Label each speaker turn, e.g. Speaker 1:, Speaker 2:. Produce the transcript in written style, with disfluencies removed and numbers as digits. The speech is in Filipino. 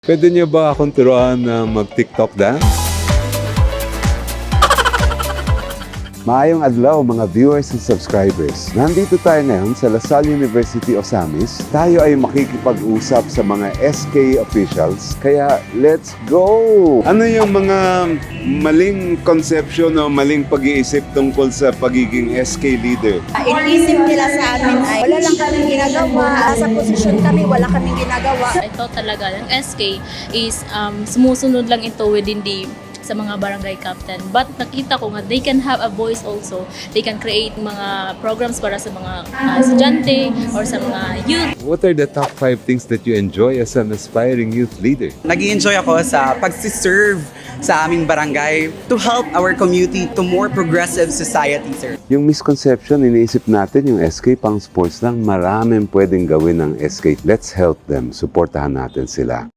Speaker 1: Pwede niyo ba akong turuan na mag-TikTok dance? Maayong adlaw mga viewers and subscribers. Nandito tayo ngayon sa LaSalle University Osamis. Tayo ay makikipag-usap sa mga SK officials. Kaya let's go! Ano yung mga maling conception o maling pag-iisip tungkol sa pagiging SK leader?
Speaker 2: Inisip nila sa amin ay wala lang kaming ginagawa. Sa posisyon kami, wala kaming ginagawa.
Speaker 3: Ito talaga, yung SK is sumusunod lang ito within sa mga barangay captain. But nakita ko nga, they can have a voice also. They can create mga programs para sa mga estudyante or sa mga youth.
Speaker 1: What are the top 5 things that you enjoy as an aspiring youth leader?
Speaker 4: Nag-i-enjoy ako sa pagsiserve sa aming barangay to help our community to more progressive society, sir.
Speaker 1: Yung misconception, iniisip natin yung SK pang sports lang. Maraming pwedeng gawin ng SK. Let's help them. Suportahan natin sila.